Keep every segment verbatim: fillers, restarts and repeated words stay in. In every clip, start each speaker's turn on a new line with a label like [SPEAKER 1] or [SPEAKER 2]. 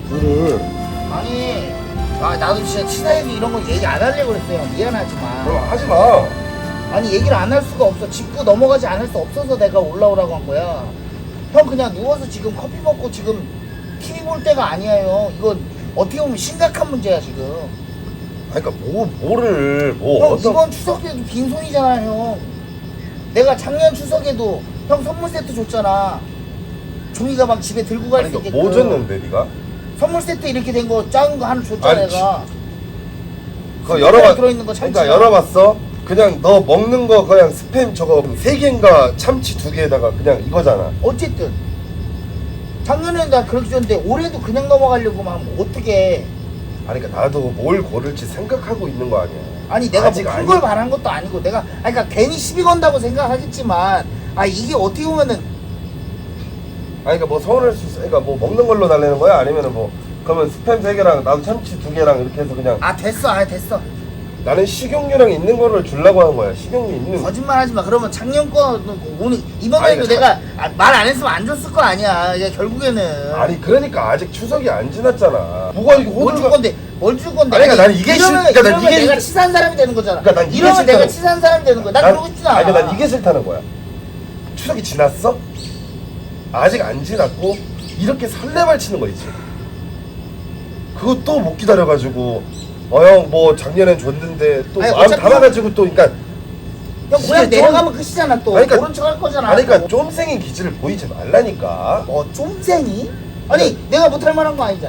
[SPEAKER 1] 뭐를?
[SPEAKER 2] 아니, 아 나도 진짜 치사해서 이런 거 얘기 안 하려고 그랬어요. 미안하지만.
[SPEAKER 1] 그럼 하지 마.
[SPEAKER 2] 아니 얘기를 안 할 수가 없어. 짚고 넘어가지 않을 수 없어서 내가 올라오라고 한 거야. 형 그냥 누워서 지금 커피 먹고 지금 티비 볼 때가 아니에요. 이건 어떻게 보면 심각한 문제야 지금.
[SPEAKER 1] 아니 그러니까 뭐 뭐를 뭐
[SPEAKER 2] 형
[SPEAKER 1] 어떤
[SPEAKER 2] 이번 추석에도 빈손이잖아 형. 내가 작년 추석에도 형 선물 세트 줬잖아. 종이 가방 집에 들고 갈
[SPEAKER 1] 아니
[SPEAKER 2] 수
[SPEAKER 1] 그러니까
[SPEAKER 2] 있게끔.
[SPEAKER 1] 뭐 줬는데 네가?
[SPEAKER 2] 선물 세트 이렇게 된 거 작은 거 하나 줬잖아
[SPEAKER 1] 아니,
[SPEAKER 2] 내가.
[SPEAKER 1] 그거 열어봐.
[SPEAKER 2] 들어있는 거 참치.
[SPEAKER 1] 그러니까 열어봤어. 그냥 너 먹는 거 그냥 스팸 저거 세 개인가 참치 두 개에다가 그냥 이거잖아.
[SPEAKER 2] 어쨌든 작년에는 나 그렇게 줬는데 올해도 그냥 넘어가려고 하면 어떡해.
[SPEAKER 1] 아니 그러니까 나도 뭘 고를지 생각하고 있는 거 아니야.
[SPEAKER 2] 아니 내가
[SPEAKER 1] 아직
[SPEAKER 2] 뭐큰
[SPEAKER 1] 아니-
[SPEAKER 2] 걸 바란 것도 아니고 내가 아니 그러니까 괜히 시비 건다고 생각하겠지만 아 이게 어떻게 보면은
[SPEAKER 1] 아니 그러니까 뭐 서운할 수 있어. 그러니까 뭐 먹는 걸로 달래는 거야? 아니면은 뭐 그러면 스팸 세 개랑 나도 참치 두 개랑 이렇게 해서 그냥
[SPEAKER 2] 아 됐어 아 됐어
[SPEAKER 1] 나는 식용유랑 있는 거를 주려고 하는 거야. 식용유 있는 거.
[SPEAKER 2] 거짓말 하지 마. 그러면 작년 거는 오늘
[SPEAKER 1] 아니,
[SPEAKER 2] 이번에도
[SPEAKER 1] 그
[SPEAKER 2] 내가 아, 말 안 했으면 안 줬을 거 아니야. 이게 결국에는
[SPEAKER 1] 아니 그러니까 아직 추석이 안 지났잖아. 뭐가 이게
[SPEAKER 2] 뭘 줄
[SPEAKER 1] 호들갑-
[SPEAKER 2] 건데 뭘 줄 건데.
[SPEAKER 1] 아니, 그러니까 나는 이게
[SPEAKER 2] 이러면,
[SPEAKER 1] 싫- 그러니까 난
[SPEAKER 2] 이러면
[SPEAKER 1] 이게
[SPEAKER 2] 내가
[SPEAKER 1] 싫-
[SPEAKER 2] 치사한 사람이 되는 거잖아.
[SPEAKER 1] 그러니까 난 이게
[SPEAKER 2] 이러면 내가
[SPEAKER 1] 싫다는-
[SPEAKER 2] 치사한 사람이 되는 거야. 난,
[SPEAKER 1] 난-
[SPEAKER 2] 그러고 있진 않아.
[SPEAKER 1] 아니 난 이게 싫다는 거야. 추석이 지났어? 아직 안 지났고 이렇게 설레발 치는 거 있지. 그거 또 못 기다려가지고 어 형 뭐 작년엔 줬는데 또
[SPEAKER 2] 아니,
[SPEAKER 1] 마음
[SPEAKER 2] 어차피
[SPEAKER 1] 담아가지고 또 그러니까
[SPEAKER 2] 형 그냥
[SPEAKER 1] 이게 좀-
[SPEAKER 2] 내려가면 끝이잖아 또.
[SPEAKER 1] 아니, 그러니까-
[SPEAKER 2] 모른 척 할 거잖아.
[SPEAKER 1] 아니 그러니까 쫌생인 기질을 보이지 말라니까.
[SPEAKER 2] 뭐 쫌생이? 아니 내가 못할 만한 거 아니잖아.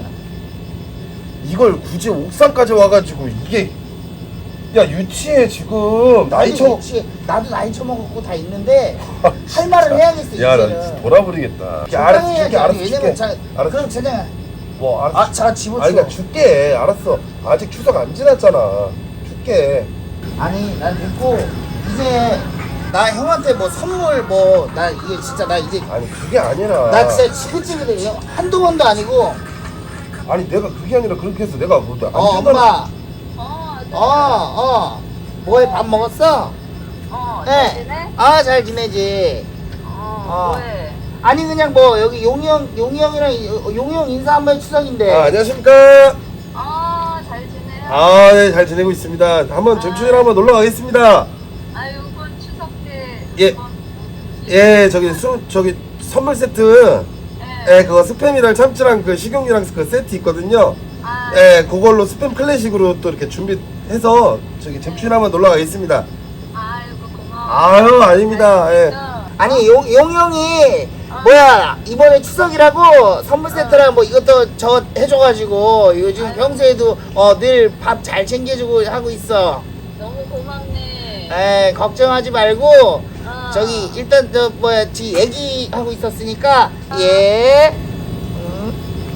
[SPEAKER 1] 이걸 굳이 옥상까지 와가지고 이게 야 유치해 지금 나이
[SPEAKER 2] 나도
[SPEAKER 1] 쳐.
[SPEAKER 2] 그렇지. 나도 나이 처먹었고 다 있는데 할 말을 해야겠어
[SPEAKER 1] 야, 나
[SPEAKER 2] 이제는.
[SPEAKER 1] 진짜 돌아버리겠다. 야, 알았어,
[SPEAKER 2] 적당히 해야지.
[SPEAKER 1] 줄게, 알았어,
[SPEAKER 2] 왜냐면
[SPEAKER 1] 줄게.
[SPEAKER 2] 자,
[SPEAKER 1] 알았어.
[SPEAKER 2] 그럼 제가
[SPEAKER 1] 뭐, 알았어.
[SPEAKER 2] 아, 자 집어치워.
[SPEAKER 1] 아니, 그러니까 줄게. 알았어. 아직 추석 안 지났잖아. 줄게.
[SPEAKER 2] 아니 난 됐고 이제 나 형한테 뭐 선물 뭐 나 이게 진짜 나 이제
[SPEAKER 1] 아니, 그게 아니라.
[SPEAKER 2] 나 진짜 지긋지긋해. 한두 번도 아니고
[SPEAKER 1] 아니, 내가 그게 아니라 그렇게 해서 내가 뭐, 안
[SPEAKER 2] 어
[SPEAKER 1] 준다는-
[SPEAKER 2] 엄마
[SPEAKER 3] 어, 네.
[SPEAKER 2] 어어 뭐해 밥 먹었어?
[SPEAKER 3] 어, 잘 지내?
[SPEAKER 2] 아잘 지내지.
[SPEAKER 3] 어,
[SPEAKER 2] 어.
[SPEAKER 3] 뭐해?
[SPEAKER 2] 아니 그냥 뭐 여기 용이 형 용이 형이랑 용이 형 인사 한번 추석인데.
[SPEAKER 1] 아, 안녕하십니까.
[SPEAKER 3] 어, 잘 지내?
[SPEAKER 1] 아, 네, 잘 지내고 있습니다. 한번 정춘이랑 한번 놀러 가겠습니다.
[SPEAKER 3] 아, 요번 추석 때
[SPEAKER 1] 예.
[SPEAKER 3] 이번 뭐지?
[SPEAKER 1] 예, 저기, 수, 저기, 선물 세트.
[SPEAKER 3] 예.
[SPEAKER 1] 예, 그거 스팸이랑 참치랑 그 식용유랑 그 세트 있거든요.
[SPEAKER 3] 아,
[SPEAKER 1] 예, 그걸로 스팸 클래식으로 또 이렇게 준비해서 저기 잼춘이 한번 놀러 가겠습니다.
[SPEAKER 3] 아이고 고마워.
[SPEAKER 1] 아유, 아닙니다. 예.
[SPEAKER 2] 아니 용, 용 형이 뭐야 이번에 추석이라고 선물 세트랑 뭐 이것도 저 해줘가지고 요즘 평소에도 어, 늘 밥 잘 챙겨주고 하고 있어.
[SPEAKER 3] 너무 고맙네.
[SPEAKER 2] 에 걱정하지 말고
[SPEAKER 3] 어.
[SPEAKER 2] 저기 일단 저 뭐야 지금 얘기하고 있었으니까 예. 음.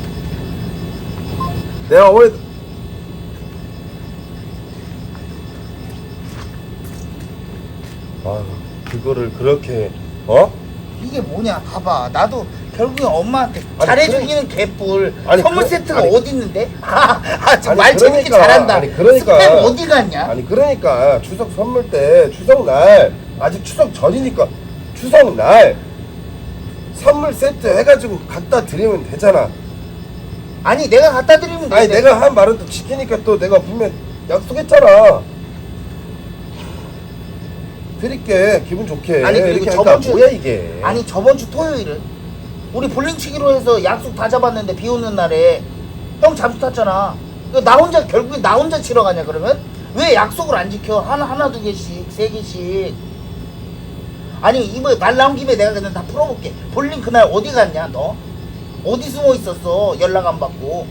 [SPEAKER 1] 내가 어머니 아 그거를 그렇게 어?
[SPEAKER 2] 이게 뭐냐 봐봐 나도 결국엔 엄마한테
[SPEAKER 1] 아니,
[SPEAKER 2] 잘해주기는 개뿔
[SPEAKER 1] 아니,
[SPEAKER 2] 선물
[SPEAKER 1] 그-
[SPEAKER 2] 세트가
[SPEAKER 1] 아니,
[SPEAKER 2] 어디 있는데? 아말
[SPEAKER 1] 아니,
[SPEAKER 2] 재밌게
[SPEAKER 1] 그러니까,
[SPEAKER 2] 잘한다.
[SPEAKER 1] 아니, 그러니까.
[SPEAKER 2] 스팸 어디 갔냐?
[SPEAKER 1] 아니 그러니까 추석 선물 때 추석날 아직 추석 전이니까 추석날 선물 세트 해가지고 갖다 드리면 되잖아.
[SPEAKER 2] 아니 내가 갖다 드리면 돼.
[SPEAKER 1] 아니 내가 한 말은 또 지키니까 또 내가 분명 약속했잖아. 드릴게 기분 좋게.
[SPEAKER 2] 아니 그리고
[SPEAKER 1] 이렇게
[SPEAKER 2] 저번
[SPEAKER 1] 하니까
[SPEAKER 2] 주
[SPEAKER 1] 뭐야 이게?
[SPEAKER 2] 아니 저번 주 토요일은 우리 볼링 치기로 해서 약속 다 잡았는데 비 오는 날에 형 잠수 탔잖아. 이거 나 혼자 결국에 나 혼자 치러 가냐 그러면? 왜 약속을 안 지켜? 하나 하나 두 개씩 세 개씩. 아니 이번에 말 나온 김에 내가 그냥 다 풀어볼게. 볼링 그날 어디 갔냐 너? 어디 숨어 있었어? 연락 안 받고.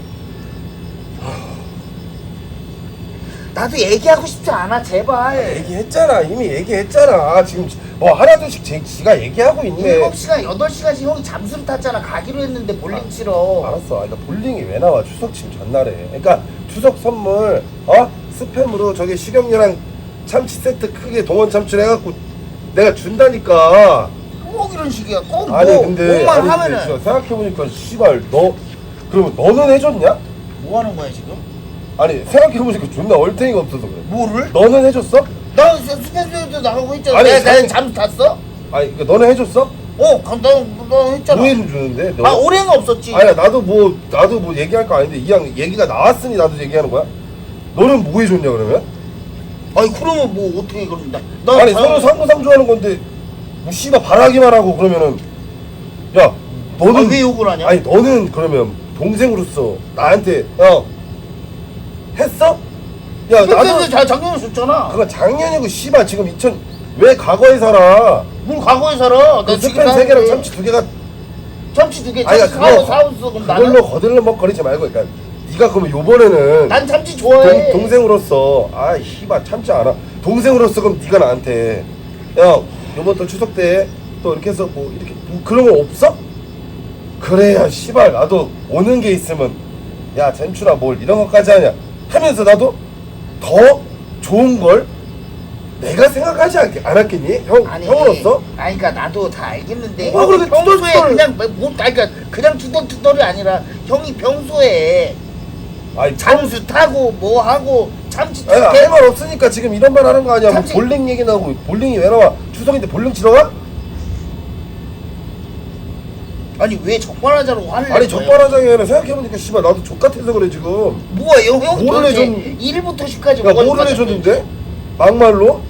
[SPEAKER 2] 나도 얘기하고 싶지 않아 제발.
[SPEAKER 1] 얘기했잖아 이미 얘기했잖아. 지금 뭐 하나둘씩 제, 지가 얘기하고 있네.
[SPEAKER 2] 일곱 시간 여덟 시간씩 형이 잠수를 탔잖아. 가기로 했는데 볼링 치러.
[SPEAKER 1] 알았어. 그러니까 볼링이 왜 나와 추석 침 전날에. 그러니까 추석 선물 어 스팸으로 저기 식용유랑 참치 세트 크게 동원 참치를 해갖고 내가 준다니까.
[SPEAKER 2] 꼭 이런 식이야. 꼭 뭐,
[SPEAKER 1] 아니 근데
[SPEAKER 2] 뭐만
[SPEAKER 1] 아니, 근데
[SPEAKER 2] 하면은
[SPEAKER 1] 진짜 생각해보니까 씨발 너 그러면 너는 해줬냐?
[SPEAKER 2] 뭐 하는 거야 지금?
[SPEAKER 1] 아니 생각해보니까 존나 얼탱이가 없어서 그래.
[SPEAKER 2] 뭐를?
[SPEAKER 1] 너는 해줬어?
[SPEAKER 2] 나 스탠스에도 나가고 있잖아.
[SPEAKER 1] 아니,
[SPEAKER 2] 내가, 내가
[SPEAKER 1] 사실-
[SPEAKER 2] 잠수 탔어?
[SPEAKER 1] 아니 그러니까 너는 해줬어?
[SPEAKER 2] 어, 그럼 너, 너 했잖아.
[SPEAKER 1] 오해를 주는데 너.
[SPEAKER 2] 아, 오해는 없었지.
[SPEAKER 1] 아니야 나도 뭐 나도 뭐 얘기할 거 아닌데 이왕 얘기가 나왔으니 나도 얘기하는 거야. 너는 뭐 해줬냐 그러면?
[SPEAKER 2] 아니, 그러면 뭐 어떻게 그럼 나, 나
[SPEAKER 1] 아니
[SPEAKER 2] 자-
[SPEAKER 1] 서로 상부상조하는 건데 뭐 씨발 바라기만 하고 그러면은 야 너는
[SPEAKER 2] 아, 왜 욕을 하냐?
[SPEAKER 1] 아니 너는 그러면 동생으로서 나한테 어 했어? 야
[SPEAKER 2] 그때
[SPEAKER 1] 나도
[SPEAKER 2] 자, 작년에 줬잖아.
[SPEAKER 1] 그건 작년이고 씨발 지금 이천 왜 과거에 살아?
[SPEAKER 2] 뭘 과거에 살아?
[SPEAKER 1] 그
[SPEAKER 2] 나 지금
[SPEAKER 1] 스팸 세 개랑
[SPEAKER 2] 사는데
[SPEAKER 1] 참치 두 개가
[SPEAKER 2] 참치 두 개,
[SPEAKER 1] 아니
[SPEAKER 2] 참치
[SPEAKER 1] 그거
[SPEAKER 2] 사오 사오스 그럼
[SPEAKER 1] 그걸로
[SPEAKER 2] 나는
[SPEAKER 1] 거들러 먹거리지 말고 그러니까 네가 그러면 요번에는
[SPEAKER 2] 난 참치 좋아해.
[SPEAKER 1] 동, 동생으로서 아 씨발 참지 않아 동생으로서 그럼 네가 나한테 야 요번 또 추석 때 또 이렇게 해서 뭐 이렇게 뭐 그런 거 없어? 그래야 씨발 나도 오는 게 있으면 야 잼추나 뭘 이런 것까지 하냐 하면서 나도 더 좋은 걸 내가 생각하지 않, 않았겠니? 형,
[SPEAKER 2] 아니,
[SPEAKER 1] 형으로서?
[SPEAKER 2] 아니, 그러니까 나도 다 알겠는데
[SPEAKER 1] 뭐가
[SPEAKER 2] 형이
[SPEAKER 1] 그렇게
[SPEAKER 2] 평소에
[SPEAKER 1] 투덜투덜-
[SPEAKER 2] 그냥 뭐, 뭐, 아니, 그러니까 그냥 투덜투덜이 아니라 형이 평소에
[SPEAKER 1] 아니
[SPEAKER 2] 잠수 타고 뭐 하고 참치
[SPEAKER 1] 아니
[SPEAKER 2] 두 개.
[SPEAKER 1] 할 말 없으니까 지금 이런 말 하는 거 아니야 뭐
[SPEAKER 2] 참치-
[SPEAKER 1] 볼링 얘기 나오고 볼링이 왜 나와 추석인데 볼링 치러 가?
[SPEAKER 2] 아니 왜 적반하자로 화를
[SPEAKER 1] 아니
[SPEAKER 2] 낸 거예요?
[SPEAKER 1] 적반하장이 아니라 생각해보니까 씨발 나도 족같아서 그래 지금
[SPEAKER 2] 뭐야 형, 형
[SPEAKER 1] 뭐를
[SPEAKER 2] 도대체
[SPEAKER 1] 해줬-
[SPEAKER 2] 일부터 십까지
[SPEAKER 1] 야 뭐를 해줬는데? 막말로?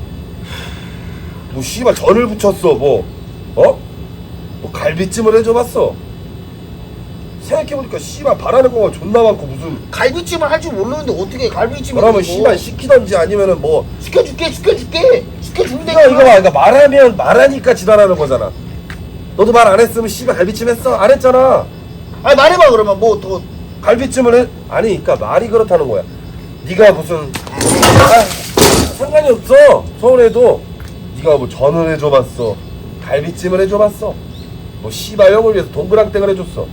[SPEAKER 1] 뭐 씨발 전을 붙였어 뭐 어? 뭐 갈비찜을 해줘봤어 생각해보니까 씨발 바라는 거가 존나 많고 무슨
[SPEAKER 2] 갈비찜을 할 줄 모르는데 어떻게 갈비찜을
[SPEAKER 1] 그러면
[SPEAKER 2] 해주고.
[SPEAKER 1] 씨발 시키던지 아니면은 뭐
[SPEAKER 2] 시켜줄게 시켜줄게 시켜주면
[SPEAKER 1] 네가 이거 봐 그러니까 말하면 말하니까 지랄하는 거잖아 너도 말 안 했으면 씨발 갈비찜 했어? 안 했잖아
[SPEAKER 2] 아니 말해봐 그러면 뭐 더
[SPEAKER 1] 갈비찜을 해? 아니 그니까 말이 그렇다는 거야 네가 무슨 아, 상관이 없어 서울에도 네가 뭐 전을 해줘봤어 갈비찜을 해줘봤어 뭐 씨발 형을 위해서 동그랑땡을 해줬어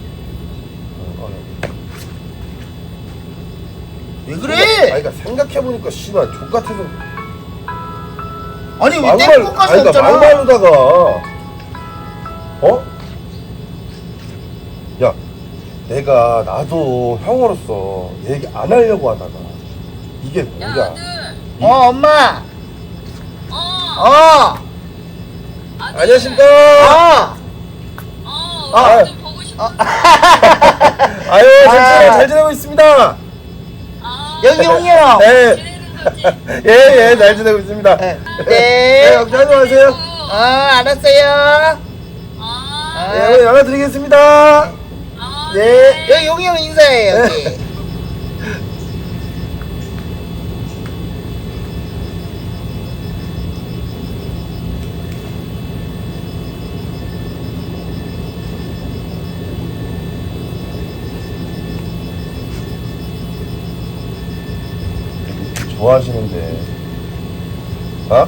[SPEAKER 2] 왜 그래?
[SPEAKER 1] 아니 그니까 생각해보니까 씨발 족같아서
[SPEAKER 2] 아니 왜
[SPEAKER 1] 막말
[SPEAKER 2] 땡콩가시
[SPEAKER 1] 아니 그니까
[SPEAKER 2] 없잖아.
[SPEAKER 1] 막말로다가 어? 야 내가 나도 형으로서 얘기 안 하려고 하다가 이게
[SPEAKER 3] 야,
[SPEAKER 1] 뭐야
[SPEAKER 3] 아들.
[SPEAKER 2] 어 엄마.
[SPEAKER 3] 어.
[SPEAKER 2] 어.
[SPEAKER 3] 아들.
[SPEAKER 1] 안녕하십니까
[SPEAKER 2] 어.
[SPEAKER 3] 어.
[SPEAKER 1] 아.
[SPEAKER 3] 아들 보고 싶어.
[SPEAKER 1] 아유
[SPEAKER 2] 아.
[SPEAKER 1] 잘, 잘 지내고 있습니다
[SPEAKER 3] 아.
[SPEAKER 2] 여기 형이요.
[SPEAKER 1] 네.
[SPEAKER 3] 지내는 거지.
[SPEAKER 1] 예예 잘 지내고 있습니다
[SPEAKER 2] 네.
[SPEAKER 1] 네 걱정하지 마세요
[SPEAKER 2] 어 알았어요.
[SPEAKER 3] 아.
[SPEAKER 1] 네 오늘 연락 드리겠습니다
[SPEAKER 3] 아.
[SPEAKER 1] 네.
[SPEAKER 2] 여기 용이 형 인사해 여기.
[SPEAKER 1] 좋아하시는데 어?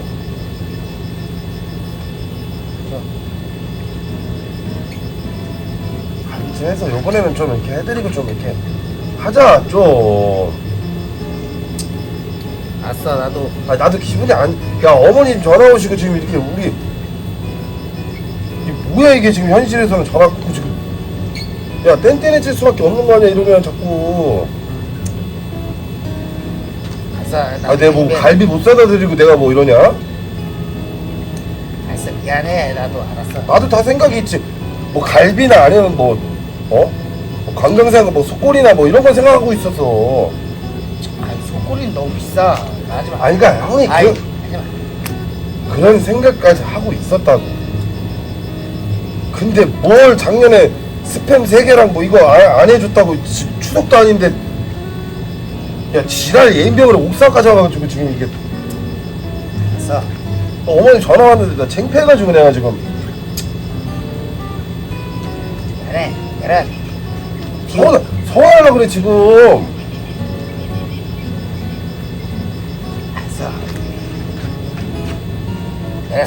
[SPEAKER 1] 갈비찜 해서 요번에는 좀 이렇게 해드리고 좀 이렇게 하자 좀
[SPEAKER 2] 아싸 나도.
[SPEAKER 1] 아 나도 기분이 안. 야 어머님 전화 오시고 지금 이렇게 우리 이게 뭐야 이게 지금 현실에서는 전화 끊고 지금 야 땡땡해질 수밖에 없는 거 아니야 이러면 자꾸.
[SPEAKER 2] 아싸.
[SPEAKER 1] 아 내가 뭐 갈비 못 사다 드리고 내가 뭐 이러냐?
[SPEAKER 2] 알았어 미안해 나도 알았어.
[SPEAKER 1] 나도 다 생각이 있지. 뭐 갈비나 아니면 뭐 어? 뭐 관광상 뭐 속골이나 뭐 이런 거 생각하고 있었어.
[SPEAKER 2] 아니 속꼬리는 너무 비싸. 나 하지 마.
[SPEAKER 1] 아니 그러니까 형이
[SPEAKER 2] 아이,
[SPEAKER 1] 그,
[SPEAKER 2] 하지 마.
[SPEAKER 1] 그런 생각까지 하고 있었다고. 근데 뭘 작년에 스팸 세 개랑 뭐 이거 아- 안 해줬다고 지- 추석도 아닌데 야 지랄 예인병으로 옥사까지 와가지고 지금 이게
[SPEAKER 2] 알았어.
[SPEAKER 1] 어, 어머니 전화 왔는데 나 창피해가지고 내가 지금
[SPEAKER 2] 그래 그래.
[SPEAKER 1] 서운 서운하려 그래 지금.
[SPEAKER 2] 알았어. 그래.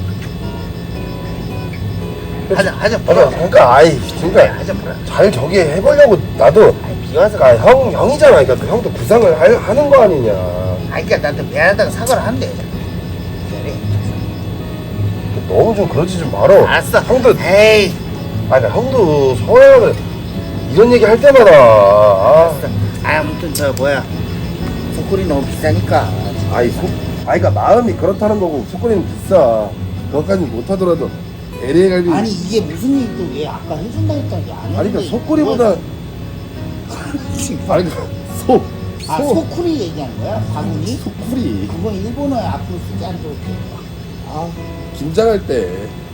[SPEAKER 2] 하자 하자
[SPEAKER 1] 맞아
[SPEAKER 2] 보라.
[SPEAKER 1] 그러니까 아이
[SPEAKER 2] 그래
[SPEAKER 1] 그러니까
[SPEAKER 2] 하자 보라.
[SPEAKER 1] 잘 저기 해보려고 나도
[SPEAKER 2] 아니 비와서.
[SPEAKER 1] 그러니까 형 형이잖아 그러니까 그 형도 구상을 할- 하는 거 아니냐.
[SPEAKER 2] 아니 그니까 나한테 미안하다고 사과를 한대. 그래.
[SPEAKER 1] 너무 좀 그러지 좀 말어.
[SPEAKER 2] 알았어.
[SPEAKER 1] 형도
[SPEAKER 2] 에이.
[SPEAKER 1] 아니 그러니까 형도 서운하려 그래. 이런 얘기 할 때마다 아,
[SPEAKER 2] 알았어. 아 아무튼 저 뭐야. 속꼬리 너무 비싸니까.
[SPEAKER 1] 아이 속 아이 그러니까 마음이 그렇다는 거고 속거리는 비싸. 그것까지 못하더라도 엘에이 갈비.
[SPEAKER 2] 아니 이게 무슨 일도 왜 아까 해준다 했더니 안 해준다.
[SPEAKER 1] 아니 그러니까 속꼬리보다 아니 그러니까 소.
[SPEAKER 2] 아
[SPEAKER 1] 소.
[SPEAKER 2] 소쿠리 얘기한 거야? 바구니?
[SPEAKER 1] 소쿠리.
[SPEAKER 2] 그건 일본어에 앞으로 쓰지 않도록 돼.
[SPEAKER 1] 아 김장할 때